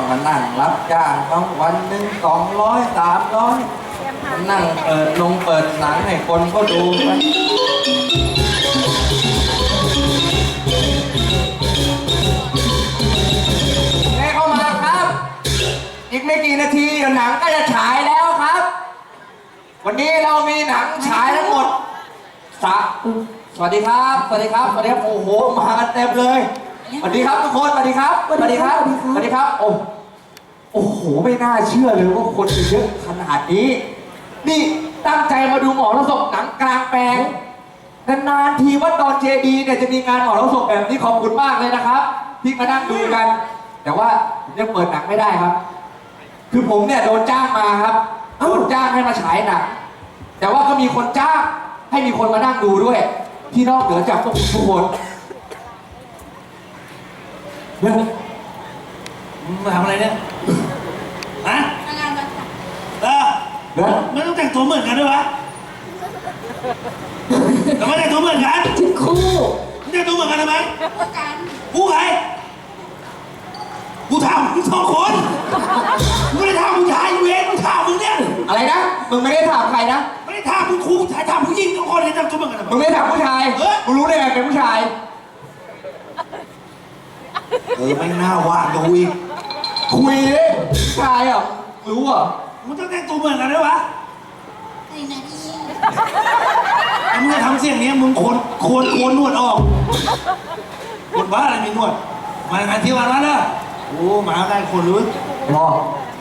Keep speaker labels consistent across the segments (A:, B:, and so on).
A: มานั่งรับจ้างเขาวันหนึ่ง200 300นั่งเปิดหนังให้คนก็ดูไปเข้ามาครับ อีกไม่กี่นาทีหนังก็จะฉายแล้วครับ วันนี้เรามีหนังฉายทั้งหมดสวัสดีครับ สวัสดีครับ สวัสดีครับ โอ้โห มากันเต็มเลย สวัสดีครับทุกคน สวัสดีครับ สวัสดีครับ สวัสดีครับ โอ้โห ไม่น่าเชื่อเลยว่าคนจะเยอะขนาดนี้ นี่ตั้งใจมาดูหมอระศพหนังกลางแปลงนานๆทีวัดดอนเจดีเนี่ยจะมีงานหมอระศพแบบนี้ขอบคุณมากเลยนะครับ ที่มานั่งดูกัน แต่ว่าผมยังเปิดหนังไม่ได้ครับ คือผมเนี่ยโดนจ้างมาครับโดนจ้างให้มาฉายหนัง แต่ว่าก็มีคนจ้างให้มีคนมานั่งดูด้วย ที่นอกเหนือจากพวกทุกคนเนี่ย
B: มาทำอะไรเนี่ยฮะไม่ต้องแต่งตัวเหมือนกันด้วยวะทำไมแต่งตัวเหมือนกัน
C: ชุดคู่
B: แต่งตัวเหมือนกันทำไมกูใครกูถามมึง2 คนมึงไม่ได้ถามผู้ชายเวรมึงถามมึงเนี่ย
A: อะไรนะมึงไม่ได้ถามใครนะ
B: ไม่ได้ถามมึงครูถามผู้หญิง2 คนเลยแต่งตัวเหมือนกันทำไม
A: มึงไม่ได้ถามผู้ชายมึงรู้ได้ไงเป็นผู้ชาย
B: ไม่น่าว่าดูอีก
A: คุยเลยชายอ่ะรู้อ่ะ
B: มึงต้องแต่งตัวเหมือนกันด้วยวะมึงจะทำเสียงนี้มึงโคนนวดออกคนบ้าอะไรมีนวดมางานที่วันนั้นนะโอ้มาได้คนรู้
A: รอ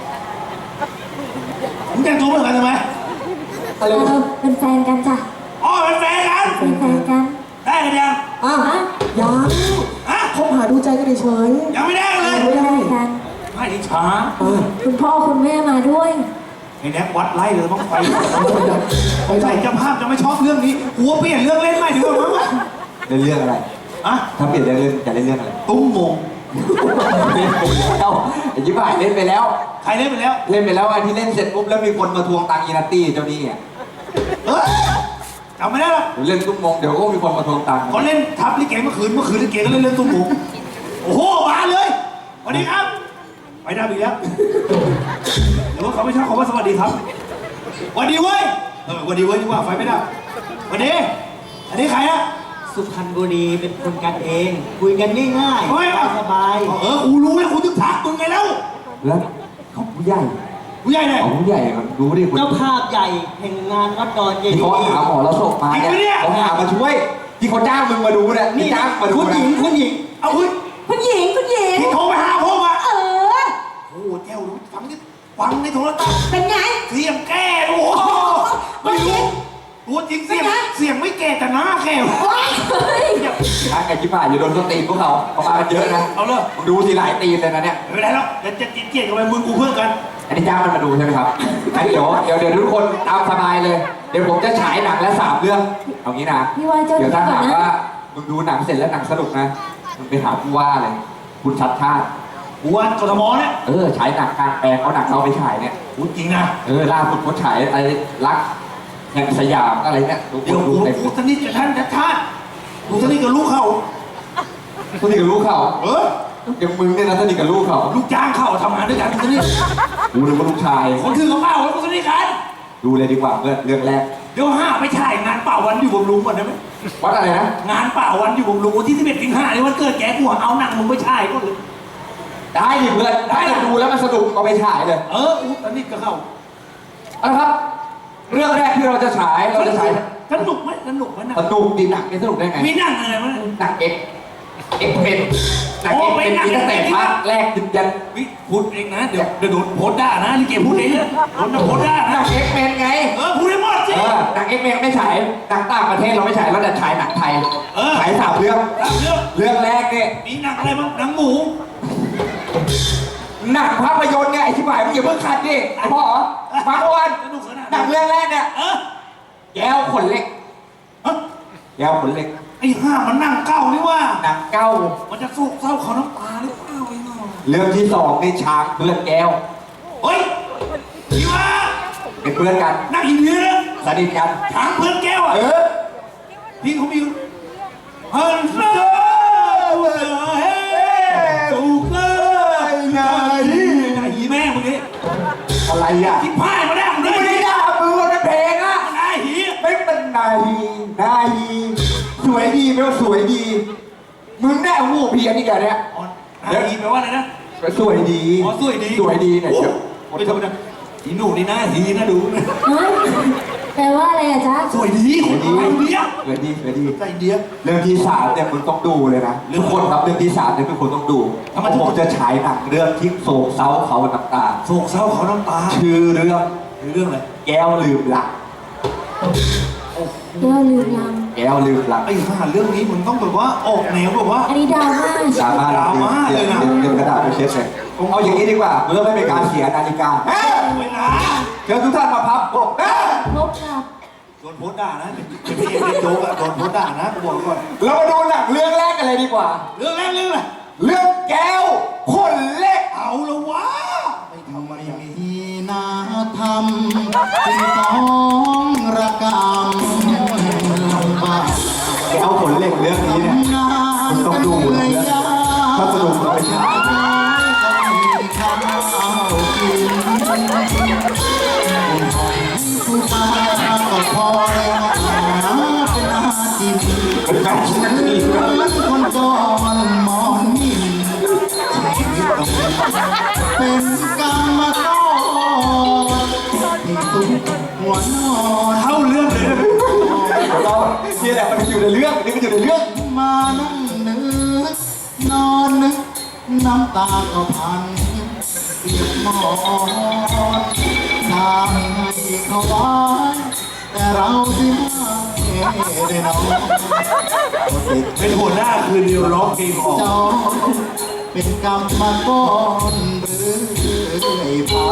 B: มึงแต่งตัวเหมือนกันทำไม
C: เป็นแฟนกันจ้ะ
B: อ๋อเป็นแฟนกัน
C: เป็นแฟนกัน
B: ได้กันยัง
D: ยังคบหาดูใจกันเฉย
B: ยังไม่ได้เลย
C: ไม่ได้กัน
B: ไม่ดิช้า
C: คุณพ่อคุณแม่มาด้วย
B: ไอ้แน็กวัดไล่เลยต้องไปใส่เจ้าภาพจะไม่ชอบเรื่องนี้หัวเปลี่ยนเรื่องเล่นใหม่ดีกว่ามั้ง
A: เล่นเรื่องอะไรถ้าเปลี่ยนเรื่องจะเล่นเรื่องอะไร
B: ตุ้มมง
A: เล่นไปแล้วไอ้ยิ้มหายเล่นไปแล้ว
B: ใครเล่นไปแล้ว
A: เล่นไปแล้วอันที่เล่นเสร็จปุ๊บแล้วมีคนมาทวงตังค์อีนัตตี้เจ้านี่อ่ะ
B: จำไม่ได้หรอ
A: เล่นตุ้มมงเดี๋ยวก็มีคนมาทวงตังค์
B: เขาเล่นทับลิเกเมื่อคืนลิเกก็เล่นตุ้มมงโอ้โหมาเลยสวัสดีครับไปได้อีกแล้วหรือว่าเขาไม่ชอบเขาว่าสวัสดีครับสวัสดีเว้ยสวัสดีเว้ยดีกว่าไฟไม่ได้สวัสดีอันนี้ใครอะ
D: สุพรรณบุรีเป็นคนกันเองคุยกันง่ายๆสบาย
B: กูรู้แล้วกูถึงถามมึงไงแล้ว
A: เขาผู้ใหญ่
B: เลย
A: ผู้ใหญ่รู้ดิ
D: เจ้าภาพใหญ่แห่งงานวัดดอนเจดีย์
A: เขาหาหมอแล้วส่งมาเนี่ยเขาหามาช่วยที่เขาจ้างมึงมาดูเนี่ยนี่จ้างมาดู
D: คุณหญิง
B: เอาคุณ
C: หญิง
B: ที่โทรไปหาพ่อมาโอ้แก้วฟังในโทรศัพท์
C: เป็นไง
B: เสียงแก่โอ้ไม่รู้ตัวจริงเสียงไม่แก่แต่หน้าแก่
A: ช้างไก่ชิบหายอยู่โดนต้นตีนพวกเขามากันเยอะนะ
B: เอาเลย
A: ดูทีหลายตีนเลยนะเนี่ย
B: ไม่ได้แล้วจะเกลียดกันไปมึงกูเพื่อนกัน
A: อันนี้จ้างมันมาดูใช่ไหมครับเดี๋ยวทุกคนตามสบายเลยเดี๋ยวผมจะฉายหนังและ3 เรื่องเอางี้นะเดี๋ยวถ้าหากว่ามึงดูหนังเสร็จแล้วหนังสนุกนะมึงไปหาผู้ว่าเลยคุณชัดชาติ
B: ผู้ว่ากทมเนี่ย
A: ฉายหนังกลางแปลงเขาหนังเขาไปฉายเนี่ย
B: พูดจริงนะ
A: ล่าสุดเขาฉายอะไรรักแห่งสยามอะไรเนี่ย
B: เดี๋ยวกูสนิทกับท่านชัดชาติกูสนิทกับลูกเขา
A: สนิทกับลูกเขาอย่างมึงเนี่ยนะสนิทกับลูกเขา
B: ลูกจ้างเขาทำงานด้วยกันสนิท
A: กูนึกว่าลูกชาย
B: คนถือกระเป๋าแล้วกูสนิทกัน
A: ดูเลยดีกว่าเรื่องแรก
B: เดี๋ยวไปถ่ายงานเป่าวันอยู่บำรุงก่อนได้ไหม
A: วัดอะไรนะ
B: งานเป่าวันอยู่บำรุงวันที่11 สิงหาคมวันเกิดแกกูเอาหนังมึงไปถ่ายก่อนเลย
A: ได้ดิเพื่อนได้ดูแล้วมันสนุกเอาไปฉายเลย
B: สนิทกับเขา
A: ครับเรื่องแรกที่เราจะฉาย
B: สนุกไหมสนุก
A: ดีหนักสนุกได้ไง
B: มีหนังอะไรมั้ย
A: หนังเอ็กเป็นหนังเอ็กเป็นตั้งแต่ภาคแรกยัน
B: พูดเองนะเดี๋ยวโดนโพสด่านะลิเกพูดเองโดนโพสด่า
A: หนังเอ็กเป็นไง
B: พูดให้หมดสิ
A: หนังเอ็กเป็นไม่ฉายหนังต่างประเทศเราไม่ฉายเราจะฉายหนังไทยฉาย3 เรื่องแรกเนี่ย
B: มีหนังอะไรบ้างหนังหมู
A: หนังภาพยนตร์เนี่ยไอ้ชิบหายมึงอย่าเพิ่งคัดดิไอ้พ่อฟังวันหนังเรื่องแรกเนี่ยแก้วขนเล็กแก้วขนเล็ก
B: ไอ้ห่ามันหนังเก่านี่ว่า
A: หนังเก่า
B: มันจะโศกเศร้าเขาน้ำตาหรือเปล่าไอ้น้อง
A: เรื่องที่2นี่ช้างเพื่อนแก้ว
B: เฮ้ยพี่ว่า
A: เป็นเพื่อนกัน
B: นักอินเดีย
A: สนิทกัน
B: ช้างเพื่อนแก้วพี่เขามีฮันเซอร์
A: นาฮีนาฮีสวยดีไม่ว่าสวยดีมึงแน่หูเพี้ยนอีกแล้วเนี่ย
B: อ๋อนาฮีแปลว่าอะไรนะ
A: สวยดี
B: อ๋อสวยดี
A: สวยดีเนี่ย
B: โอ้
A: เดี๋ยว
B: ไม่ธรรมดาอีหนูนี่นะฮีนะดูนะ
C: เฮ้ยแปลว่าอะไรอะจ๊ะ
B: สวยดีคนไทยเดียว
A: สวยดีสวยดี
B: ใจเดียว
A: เรื่องที่สามเนี่ยมึงต้องดูเลยนะ
B: เรื่อง
A: ทุกคนครับเรื่องที่สามเนี่ยทุกคนต้องดู
B: ทำไม
A: ผมจะฉายหนังเรื่องทิ้งโศกเศร้าเขาน้ำตา
B: โศกเศร้าเขาน้ำตา
A: ชื่อเรื่อง
B: เรื่องอะไร
A: แก้วลืมหลัก
C: แก้วลืมลัง
A: แก้วลืมหลัก
B: ไอ้ห่าเรื่องนี้มึงต้องแบบว่าออกแนวแบบว่า
C: อันนี้ดราม่า
A: ดราม่า
B: ดราม่าเลยนะ
A: เดี๋ยวกระดาษไปเช็ดเลยเอาอย่างนี้ดีกว่าเพื่อไม่เป็นการเสียนาฬิกาเอ้ย
B: เวลา
A: เชิญทุกท่านมาพับกบเอ้ย
C: พบกับ
B: โดนโพสต์ด่านะเป็นพี่เอกเป็นโจ๊กอะโดนโพสต์ด่านะกูบอกไว้ก่อน
A: เรามาดูหนังเรื่องแรกกันเลยดีกว่า
B: เรื่องแรกเรื่องอะไร
A: เรื่องแก้วคนเล็ก
B: เอาละวะไม่ทำไมมี
E: มีนาธรรมที่ต้องระกำลำบาก
A: แก้วคนเล็กเรื่องนี้เนี่ย
E: งาน
A: ต้องดูนะ ถ้าสนุกเราไปฉาย
E: ก็มีคำเอากินผู้ตาก็พอแล้วหาเป็นอาจิน
A: เป็นการชิมที
E: คนจอนมอนนิ่มชีวิตต้องเป็นกรรมต้นที่สุดหัวนอน
B: เข้าเรื่องเลยนะ
A: เรานี่แหละมันอยู่ในเรื่องนี่มันอยู่ในเรื่อง
E: มานั่งนึกนอนนึกน้ำตาก็พันเปียกหมอนทางให้เขาไว้แต่เราที่ไม่ได้นอน
B: เป็นหัวหน้าคืนเดียวร้องเพลงออก
E: เจ้าเป็นกรรมมาก่อนหรือไอ้พา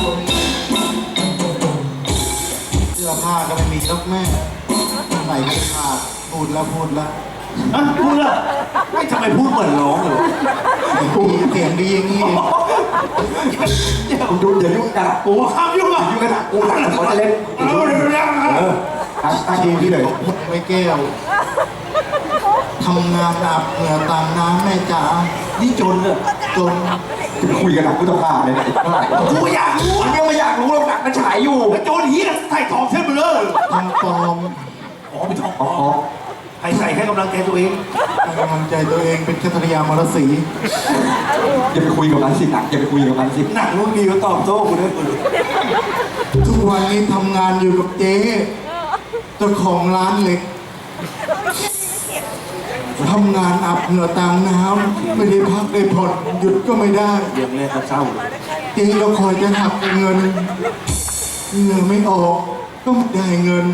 E: เสื้อผ้าก็ไม่มียกแม่ใส่ไม่ขาดพูดแล้ว
B: พูดเลยไม่ทำไมพูดเหมือนร้องเลย
E: เสียงดีอย่างนี้
A: คุณดูอย่ายุ่งกัน
B: กูว่าข้ามยุ่งอ่ะ
A: ยุ่งกันกูหนังเขาจะเล่น
B: เอาเร็วๆ
A: ตั้งทีที่เลย
E: ไม่แก้วทำงานอาบเหงื่อต่างน้ำแม่จ๋า
B: นี่จนเลย
E: จน
A: จะไปคุยกันหนังกูต้องผ่าเลยนะเท่าไหร่
B: กูอยากรู้
A: ผมยังไม่อยากรู้หรอกหนังมันฉายอยู่
B: แล้วโจนฮีน่ะใส่ทองเส้นไปเลย
E: ทำปลอม
B: อ๋อเป็นทอง
A: อ๋อ
B: ใครใส่ให้กำลังใจตัวเอง
E: ให้กำลังใจตัวเองเป็นแคทริยามรสี
A: อย่าไปคุยกับมันสิหนังอย่าไปคุยกับมันสิ
B: หนักลูกดีก็ตอบโต้กูได้กู
E: ทุกวันนี้ทำงานอยู่กับเจ๊เจ้าของร้านเหล็กทำงานอาบเหงื่อต่างน้ำไม่ได้พักได้ผ่อนหยุดก็ไม่ได้
B: เรื่องแรกก็เศร้า
E: เจ๊ก็คอยจะหักเงินเหงื่อไม่ออกก็ไม่ได้เงิน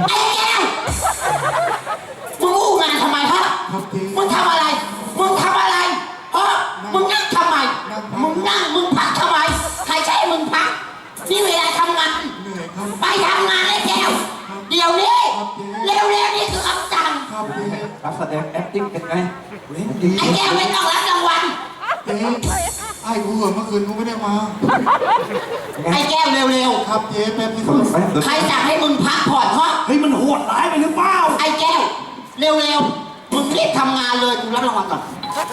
F: มึงอู้งานทำไมฮะ
E: ครับเจ๊
F: มึงทำอะไร มึงทำอะไรฮะมึงนั่งทำไม มึงนั่ง มึงพักทำไม ใครใช้ให้มึงพัก นี่เวลาทำงาน
E: เหนื่อยครับ
F: ไปทำงานเลยแก้ว เดี๋ยวนี้ เร็วๆนี่คือคำสั่ง
E: ครับเจ๊
A: รับแสดง acting เป็นไง
F: ไอ้แก้วไม่ต้องรับรางวัล
E: เจ๊ไอ้กูเหอะเมื่อคืนกูไม่ได้มา
F: ไอ้แก้วเร็ว
E: ครับเจ๊แป๊บนึง
A: สนุกไหม
F: ๆ ใครสั่งให้มึงพักผ่อนฮะ
B: เฮ้ยมันโหดร้ายไปหรือเปล่า
F: ไอ้แก้ว เร็วๆ มึงรีบทำงานเลยกูรับรางวัลก่อน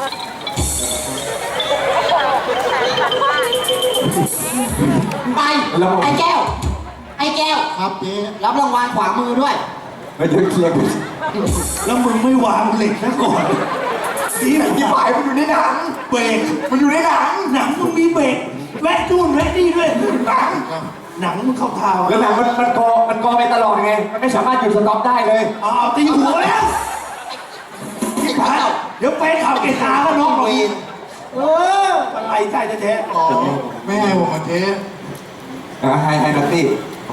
F: ไป ไอ้แก้ว ไอ้แก้ว
E: ครับเจ๊
F: รับรางวัลขวามือด้วย
A: ไม่เดี๋ยวเคลียร์กัน
B: แล้วมึงไม่วางเหล็กซะก่อนดีนะ
A: ที่ฝ่ายมันอยู่ในหนัง
B: เบรก
A: มันอยู่ในหนัง
B: หนังมึงมีเบรกแวะนู่นแวะนี่ด้วยหนังหนังมึงเข้าทาง
A: แล้วหนังมันกอไปตลอดไง มันไม่สามารถหยุดสต็อปได้เลย
B: อ้าวตีหัวแล้วที่ผ่านเดี๋ยวไปข่าวเกตาก็น้องเราอีกอะไรใช่แท้
E: อ๋อไม่ให้ผมมาเจ๊
A: ให้นัตตี้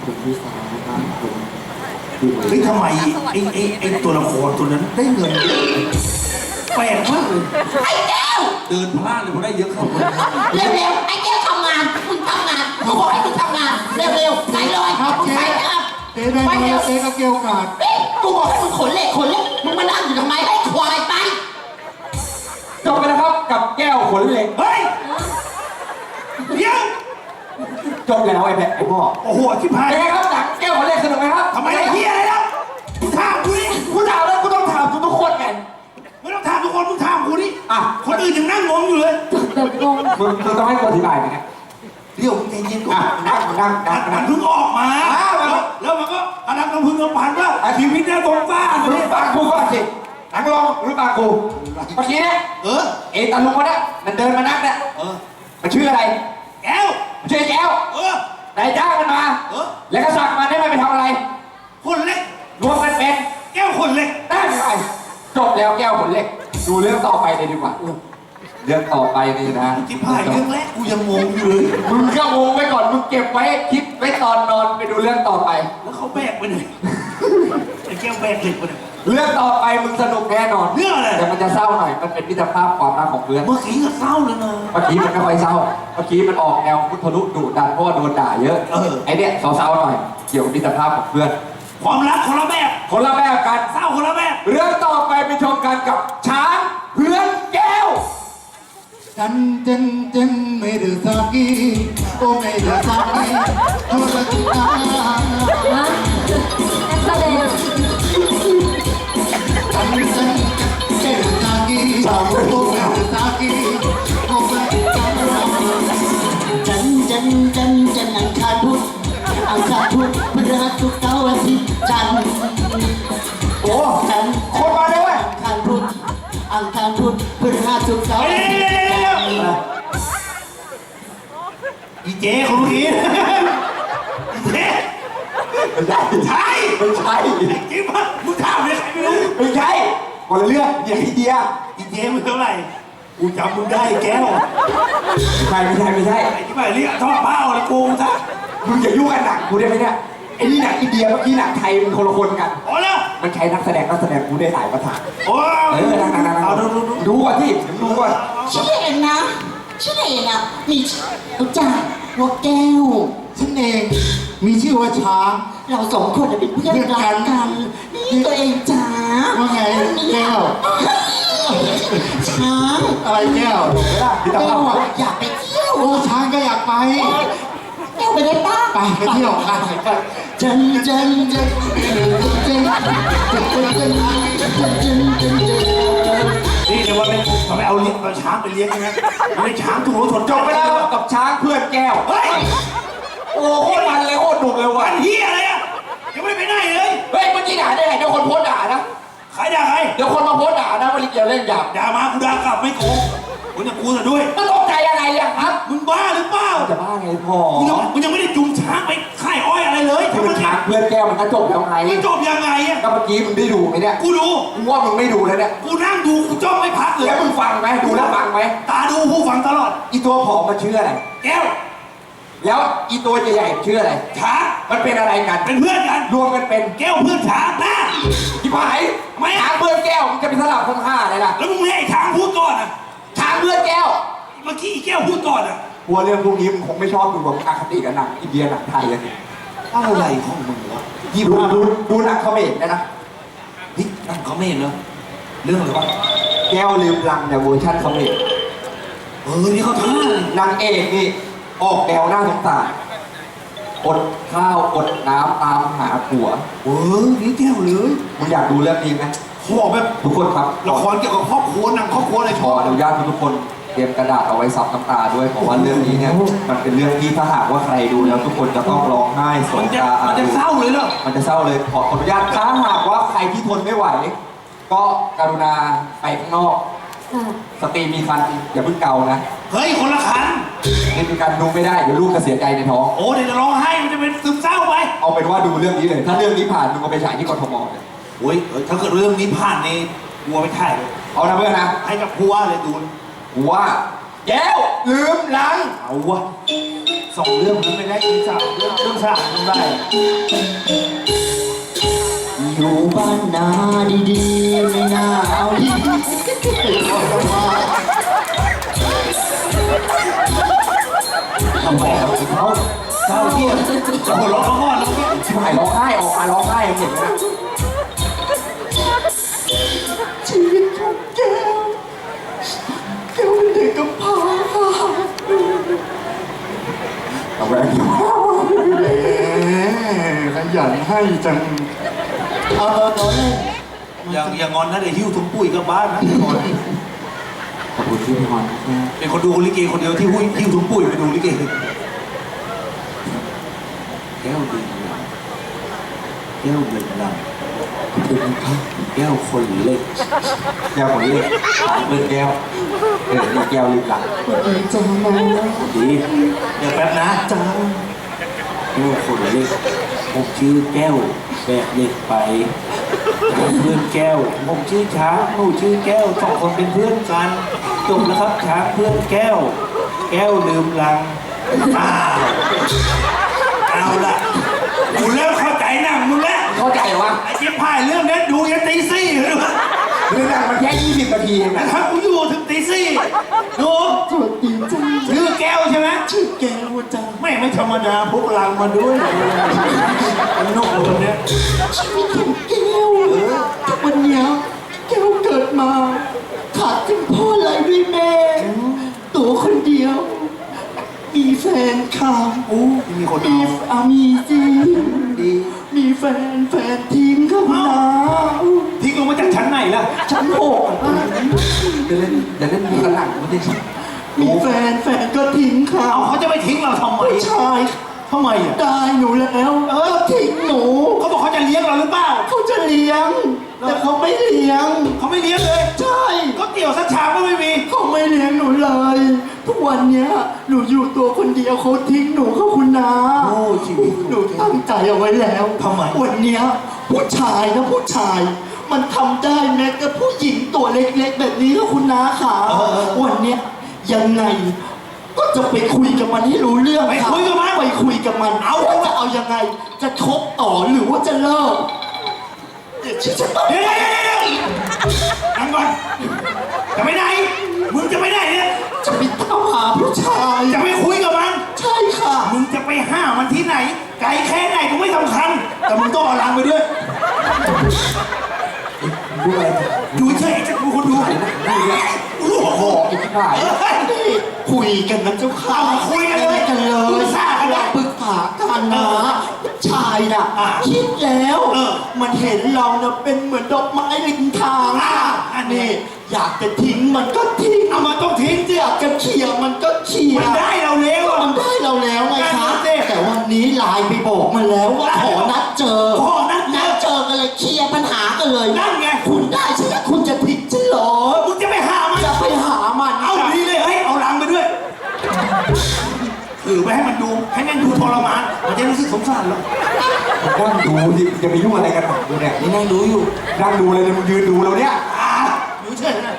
B: เฮ้ยทำไมไอ้ตัวละครตัวนั้นได้เงินแปลกมากเลย
F: ไอ้แก้ว
B: เดินพลาดเลยพอได้เยอะเข้าไป
F: เร็วๆ ไอ้แก้วทำงาน มึงทำงานกูบอกให้มึงทำงาน เร็วๆ ใส่เลย
E: ครับ
F: มึง
E: เจ๊
F: ใส่นะครับ
E: เจ๊ได้
F: ไป
E: มา
F: เร็
E: แล้ว วเจ๊ก็เกี่ยวกาด
F: นี่กูบอกให้มึงขนเหล็กมึงมานั่งอยู่ทำไมให้ควายไป
A: จบไปแล้วครับกับแก้วขนเหล็ก
B: เฮ้ยเดี๋ยว
A: จบแล้วไอ้แม่ไอ้พ่อ
B: โอ้โหชิบหาย
A: เป็นไงครับหนังแก้วขนเหล็กสนุกไหมครับ
B: ทำไมไอ้เหี้ยอะไรแล้วมึงถามกูนี่
A: กูถามแล้วกูต้องถามทุกคนไง
B: ไม่ต้องถามทุกคนมึงถามกูนี่
A: อ่ะ
B: คนอื่นยังนั่งงงอยู่เลย
C: แบบงง
A: มึงต้องให้กูอธิบายไหมเนี่ย
B: ดดี๋ยวมึงใจเย็นก่อน
A: นั่ง
B: มันเพิ่งออกมาแล้วมันก็กำลังน้ำพึ่งน้ำพันว่าชีวิตน่าสงสาร
A: รู้ปากกูก่อนสินั่งลงรู้ปากกูเมื่อกี้เนี่ยเอตาลุงคนนี้มันเดินมานักเนี่ยมันชื่ออะไร
B: แก้ว
A: มันชื่อแก้วนายจ้างมันมาแล้วก็สั่งมันให้มันไปทำอะไร
B: คนเล็ก
A: รวมกันเป็น
B: แก้วคนเล็ก
A: ได้ไหมจบแล้วแก้วผลเล็กดูเรื่องต่อไปเลยดีกว่าเรื่องต่อไปนี่นะ
B: ที่ผ่านเรื่องแรกกูยังงงอยู่เลย
A: มึงก็งงไว้ก่อนมึงเก็บไว้คิดไว้ตอนนอนไปดูเรื่องต่อไป
B: แล้วเขาแบกไปไหนไอ้แก้วแบกเหล็กไปไหน
A: เรื่องต่อไปมึงสนุกแน่นอน
B: เรื่องอะไร
A: แต่มันจะเศร้าหน่อยมันเป็นมิตรภาพความรักของเพื่อน
B: เมื่อกี้ก็เศร้าเลยนะ
A: เมื่อกี้มันไม่ค่อยเศร้าเมื่อกี้มันออกแนวพุทธลุดุดันเพราะว่าโดนด่าเยอะไอเนี้ยเศร้าๆหน่อยเกี่ยวกับมิตรภาพของเพื่อน
B: ความรักคนละแบบ
A: คนละแบบกัน
B: เศร้าคนละแบบ
A: เรื่องต่อไปไปชมกันกับช้างเพื่อนแก้ว
E: Jan mere saki o mere saki thora kita
C: ฮะแสดง
E: jan mere saki o mere saki o mere
F: จันอังคารพุธพฤหัสศุกร์เสาร์อาทิตย์จันทร์
A: โอ้
F: จันทร์
A: คนมาเลยเว้ย
F: อังคารพุธพฤหัสศุกร์เสาร์อาทิตย์จันทร์
B: อีเจ๊คนเมื่อกี้อีเจ๊
A: ไม่ใช่
B: ใช่
A: ไม่ใช่
B: จริงปะมึงถามเลยใครไม่รู้
A: ไม่ใช่คนละเรื่องอย่างไอเดีย
B: อีเจ๊มึงเท่าไหร่กูจำมึงได้แก้ว
A: ไม่ใช่
B: ไอ้ที่ไปเรียกทอดเป้าอะไรกูซะ
A: มึงอย่ายุ่งกับหนังกูได้ไหมเนี่ยไอ้นี่หนังอินเดียเมื่อกี้หนังไทยมันคนละคนกัน
B: โอ้ละ
A: มันใช้นักแสดงกูได้หลายภาษา
B: โอ้
A: นั่ง
B: เอาดู
A: ดูก่อนที่ดูก่อน
F: ชื่อเองนะมีรู้จักหัวแก้ว
E: ฉันเองมีชื่อว่าช้าง
F: เราสองคนเป็นเพื่อนรักกัน นี่ตัวเองจ๋า
E: ว่าไงแก้ว
F: ช้าง
E: อะไรแก้ว
A: ไม่ได้พี่ตา
F: แก้
A: ภาวพ
F: อะอยากไปเที่ยว
E: โอ้ช้างก็อยากไป
F: แก้วไปได้ป้า
E: ไปเที่ยวกัน
F: จัน
B: นี่เดี๋ยวว่าเป็นทำไมเอาเลี้ยงเอาช้างไปเลี้ยงใช่ไหมไม่ได้ช้างถูกรถชน
A: จบไปแล้วกับช้างเพื่อนแก้ว
B: เฮ้ย
A: โอ้โคตรมันเลยโคตรดุเลยว่ะ
B: วันเฮียอะไรอ่ะยังไม่ได้ไปไหนเลย
A: เฮ้ยเมื่อกี้ด่าได้ไงเดี๋ยวคนโพสต์ด่านะ
B: ใครด่าใคร
A: เดี๋ยวคนมาโพสต์ด่านะว่าลิเกียวเล่นหยาบ
B: ด่ามากูด่ากลับไม่โกงกูจะกูจะด้วย
A: มันตกใจอะไรอะครับ
B: มึงบ้าหรือเปล่า
A: จะบ้าไงพ่อ
B: กูยังไม่ได้จูงช้างไปค่ายอ้อยอะไรเลย
A: ถ้ามันช้างเพื่อนแก้วมันก็จบแล้วไง
B: มันจบยังไงอ่ะ
A: ก็เมื่อกี้มึงได้ดูไหมเนี่ย
B: กูดู
A: กูว่ามึงไม่ดูแล้วเนี่ย
B: กูนั่งดูกูจ้องไม่พักเลย
A: แล้วมึงฟังไหมดูแล้วฟังไหม
B: ตาดูผู้ฟังตลอด
A: อีตัวผอมมันชื่ออะไร
B: แก้ว
A: แล้วอีตัวใหญ่ๆชื่ออะไร
B: ช้าง
A: มันเป็นอะไรกัน
B: เป็นเพื่อนกัน
A: รวมกันเป็น
B: แก้วเพื่อนช้างนะ
A: ที่ผายไม่ช้างเพื่อนแก้วมันจะเป็นสลับทั้งห้าเลยล่ะ
B: แล้วมึงให้ไอ้ช้างพูดก่อนอ่ะ
A: ช้างเพื่อนแก้ว
B: เมื่อกี้ไอ้แก้วพูดก่อนอ่ะ
A: กลัวเรื่องพวกนี้มึงคงไม่ชอบดูแบบอคติกับหนังอินเดียหนังไทยอะ
B: อะไรของมึงวะ
A: ดูหนังเขมรนะ
B: นี่นั่งเขาไม่เห็นเหรอเรื่องอะไรวะ
A: แก้วลืมลังเนี่ยเวอร์ชันเขมร
B: นี่เขาท่าเลย
A: นางเอกนี่ออกแนวหน้าสงสารอดข้าวอดน้ำตามหาผัว
B: นี่แก้วเลย
A: มึงอยากดูเรื่องนี้ไหม
B: เขาบอกแบบ
A: ทุกคนครับ
B: ละครเกี่ยวกับครอบครัวหนังครอบครัวอะไร
A: ข
B: ช
A: อ
B: อบ
A: อนุญาตทุกคนเตรียมกระดาษเอาไว้ซับน้ำตาด้วยเพราะว่าเรื่องนี้เนี่ยมันเป็นเรื่องที่ถ้าหากว่าใครดูแล้วทุกคนจะต้องร้องไห้ส
B: มัน
A: ง
B: จะ
A: ตา
B: มันจะเศร้าเลยเหรอ
A: มันจะเศร้าเลยขออนุญาตถ้าหากว่าใครที่ทนไม่ไหว ก็กรุณาไปข้างนอก
C: ค่ะ
A: สตรีมีคันอย่าเพิ่งเกานะ
B: เฮ้ยคนละคัน
A: นี่เป็นการดูไม่ได้เดี๋ยวลูกจะเสียใจในท้อง
B: โอ้เดี๋ยวจะร้องไห้มันจะเป็นซึมเศร้าไป
A: เอาเป็นว่าดูเรื่องนี้เลย ถ้าเรื่องนี้ผ่านมึงก็ไปฉายที่กทมเลย
B: โอ้ยถ้าเกิดเรื่องนี้ผ่านในวัวไปถ่ายเลย
A: เอานะเพื่อนนะ
B: ให้กับผู้ว่าเลยดู
A: กูว่าแก้วลืมหลัง
B: เอาวะสองเรื่องมันไม่ได้ที่สามเรื่องสามมันได้
F: อยู่บ้านนาดีๆไม่น่าเอาดี
A: ทำบอกเขา
B: เศร้าเที่ยงจะหัวเราะเขาก่อนแล้วเนี่ย
A: ชิบหายร้องไห้ออกมาร้องไห้เห็นไหมนะ
F: ชีวิตของแก้วเป็นเด็กกำพร้าค่ะ
A: เอาแหวน
E: ขยันให้จัง
F: เอาเล่น
B: อย่างงอนนะเดี๋ยวหิ้วถุงปุ๋ยกลับบ้านนะ
A: ขอบคุณที่พี่ฮอน
B: เป็นคนดูลิเกคนเดียวที่หิ้วถุงปุ๋ยไปดูลิเกแก้วดื่มหลังแก้วดื่มหลังเป็นครับแก้วคนเล็ก
A: แก้วคนเล็กเป็นแก้วนี่แก้วลืมหลัง
E: จะมา
B: ดีเดี๋ยวแป๊บนะจ้าแก้วคนเล็กผมชื่อแก้วแบกเหล็กไปเพื่อนแก้วผมชื่อช้างหนูชื่อแก้วสองคนเป็นเพื่อนกันจบแล้วครับช้างเพื่อนแก้ว แก้วลืมลังอ้าวเอาละกูเริ่มเข้าใจหนังมึงแล้ว
A: เข้าใจวะ
B: ไอ้เจ๊พายเรื่องนี้ดูยันตีสี่เลยว่ะ
A: เรื่องนั้นมันแค่20 นาทีเอง
B: แต่
A: นะ
B: ถ้ากูอยู่ถึงตีสี่ดู
E: สวัสดีจ้า
B: ชื่อแก้วใช่ไหม
E: ชื่อแก้วจ้า
B: ไม่ธรรมดาพวกลังมาด้วยมันนกตัวเนี้ย
E: ชีวิตของแก้วทุกวันเนี้ยแก้วเกิดมาขาดคุณพ่อเลยด้วยแม่ ตัวคนเดียว มีแฟนค่ะ
B: อู้มีคน
E: มี
B: เอา
E: มีจริง
B: ดี
E: มีแฟนทิ้งค่ะคุณน้า
B: ทิ้งลงมาจากชั้นไหนล่ะ
E: ชั้นหกอ่ะ
A: เดี๋ยวเล่นมีกระหลังไม่ได้ใช่
E: มีแฟนก็ทิ้งค่ะ
B: เอาเขาจะไปทิ้งเราทำไม
E: ผู้ชาย
B: ทำไมอ่ะ
E: ได้หนูแล้วทิ้งหนู
B: เขาบอกเขาจะเลี้ยงเราหรือเปล่า
E: เขาจะเลี้ยง แต่เขาไม่เลี้ยง
B: เขาไม่เลี้ยงเลย
E: ใช่
B: ก็เตี๋ยวสักชามก็ไม่มี
E: เขาไม่เลี้ยงหนูเลย ทุกวันเนี้ยหนูอยู่ตัวคนเดียวเขาทิ้งหนูเขาคุณนา
B: โอ้ชีวิต
E: หนูตั้งใจเอาไว้แล้ว
B: ทำไม
E: วันเนี้ยผู้ชายนะผู้ชาย มันทำได้แม้กับผู้หญิงตัวเล็กๆ แบบนี้ก็คุณนาค่ะวันเนี้ยยังไง ก็จะไปคุยกับมันให้รู้เรื่อง
B: ไปคุยกับมัน
E: ไปคุยกับมัน เอาว่าจะเอายังไง จะคบต่อหรือว่าจะเลิกเดี๋ยวฉันต้อง
B: เดี๋ยวนั่งก่อนจะไปไหนมึงจะไปไหนเนี่ย
E: จะไปตามหาผู้ชาย
B: จะไปคุยกับมัน
E: ใช่ค่ะ
B: มึงจะไปห้ามมันที่ไหน ไกลแค่ไหนก็ไม่สำคัญ แต่มึงต้องเอาลังไปด้วย
A: ดูอะไร
B: ดูเฉยจะดูคนดูรู้หัวโข
A: อีกที่ผ่าน
E: นี่คุยกันนะเจ้าค่ะ
B: เอาคุยกันเลย
E: กันเลย
B: ปรึกษากันเลย
E: ปรึกษากันนะผู้ชายน่ะ
B: อ่ะ
E: คิดแล้ว
B: เออ
E: มันเห็นเราน่ะเป็นเหมือนดอกไม้ริมทาง
B: อ่ะอันนี้
E: นี่อยากจะทิ้งมันก็ทิ้ง
B: เอามาต้องทิ้งสิ
E: อยากจะเขี่ยมันก็เขี่ย
B: มันได้เราแล้วอ่ะ
E: มันได้เราแล้วไงคะ
B: ได้สิ
E: แต่วันนี้ไลน์ไปบอกมันแล้วว่าขอนัดเจอ
B: ขอนัดเจอ
E: เจอกันเลยเคลียร์ปัญหากันเลย
B: นั่นไง
E: คุณได้ใช่ไหมคุณจะทิ้งฉันเหรอ
B: มึงจะไปหามัน
E: จะไปหามัน
B: เอาดีเลยเฮ้ยเอาลังไปด้วยถือไปให้มันดู ให้แม่งดูทรมาน มันจะรู้สึกสงสารเรา
A: นั่งดูดิจะไปยุ่งอะไรกันหนักดูเนี่ย
B: นี่นั่งดูอยู่
A: นั่งดูเลยเนี่ยมึงยืนดูเราเนี่ย
B: อยู่เฉยนะ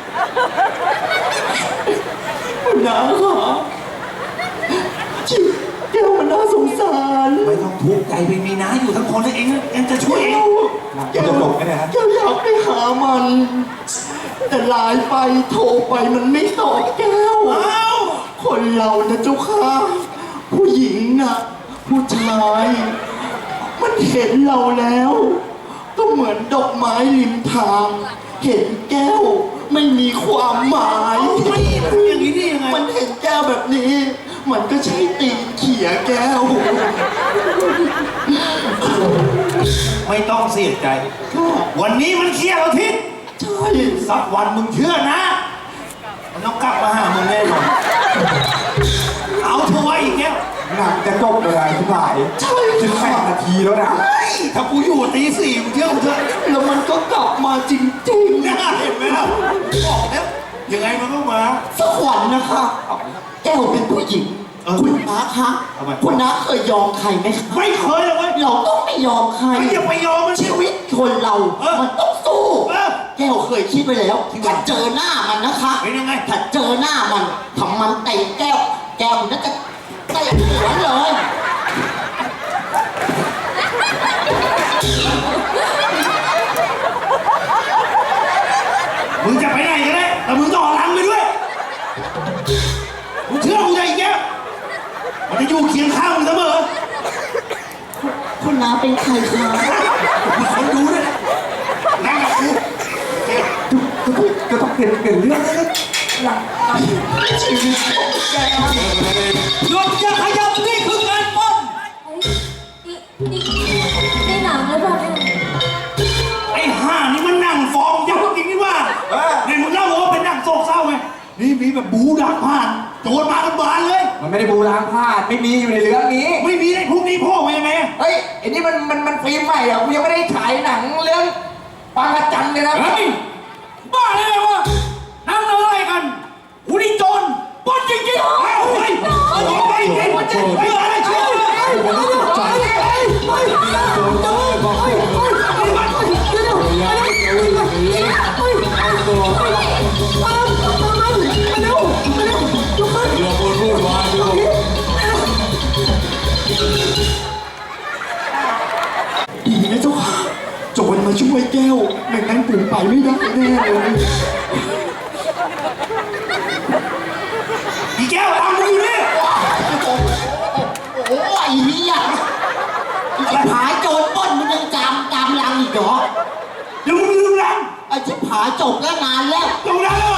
E: คุณน้าค่ะชีวิตแก้วมันน่าสงสาร
B: ไม่ต้องทุกข์ใจไปมีน้าอยู่ทั้งคนเลยเองเองจะช่วยเอง
E: แก้วแก้วอยากไปหามัน แต่ไลน์ไปโทรไปมันไม่ตอบแก้ว
B: อ้าว
E: คนเรานะเจ้าค่ะผู้หญิงน่ะผู้ชาย มันเห็นเราแล้ว ก็เหมือนดอกไม้ริมทาง เห็นแก้วไม่มีความหมาย
B: ไม่เป็นอย่างนี้ได้ยังไง
E: มันเห็นแก้วแบบนี้ มันก็ใช้ตีนเขี่ยแก้ว
B: ไม่ต้องเสียใจ วันนี้มันเครียดเราทิ้ง
E: ใช่
B: สักวันมึงเชื่อนะ มันต้องกลับมาหามึงแน่นอนเอาเธอไว้อีกแล้ว
A: หนังจะจบเลยที่ผ่าน
E: ใช่
A: 18 นาทีแล้วนะ
B: เฮ้ยถ้ากูอยู่ตีสี่มึงเชื่อกูเถอะ
E: แล้วมันก็กลับมาจริง
B: น่าเห็นไหมล่ะบอกแล้วยังไงมันก็มา
E: ๆสักวันนะคะ แก้วเป็นผู้หญิง คุณน้าคะ
B: ทำไม
E: คุณน้าเคยยอมใครไหมคะ
B: ไม่เคยเลยเว้ย
E: เราต้องไม่ยอมใคร
B: ไม่อย่าไปยอมมัน
E: ชีวิตคนเรา
B: เออ
E: มันต้องสู้
B: เออ
E: แก้วเคยคิดไว้แล้วถ้าเจอหน้ามันนะคะ
B: เป็นยังไง
E: ถ้าเจอหน้ามันทำมันเตะแก้ว แก้วมันน่าจะเตะหัวเลย
B: มึงจะไปไหนก็ได้แต่มึงต้องเอาลังไปด้วยมึงเชื่อกูใจอีกแล้วมันจะอยู่เคียงข้างมึงเสมอ
E: คุณน้าเป็นใครคะ
B: มีคนดูด้วยนะนั่งกับกู
A: ก็ต้องเปลี่ยนเรื่องเลย
E: ชีวิตของแก้ว
B: หยุดอย่าขยับนี่คือการปล้น
C: นี่หนังหรือเปล่าเนี่ย
B: ไอ้ห่านี่มันนั่งฟ้องยักษ์จริงนี่ว่าในมึงเล่าว่าเป็นนั่งโศกเศร้าไงนี่มีแบบบูดักผ่านโจรมากันบานเลย
A: เอมันไม่ได้บูรางพลาดไม่มีอยู่ในเรื่องนี้
B: ไม่มีได้พรุ่งนี้พ่อมายังไง
A: เฮ้ยไอ้นี่มันฟิล์มใหม่อ่ะกูยังไม่ได้ฉายหนังเรื่องปางกระจันเลยนะ
B: เฮ้ยบ้าเลยวะนั่งอะไรกันหูนี่โจรปล้นจริงๆเฮ้ยเฮ้ยเฮ้ยเฮ้ยเฮ้ยอะไรเชื่อ
E: ดีนะเจ้าค่ะโจรมาช่วยแก้วไม่งั้นปู่ไปไม่ได้แน่เลย
B: อีแก้วตามกูอยู่นี่
F: โอ้ไอ้เหี้ยไอ้ผายโจรปล้นมันยังจำลังอีกเหรอ
B: เดี๋ยวมึงลืมรัง
F: ไอ้ชิบหายจบแล้วนานแล้ว
B: ตรงนั้นเหรอ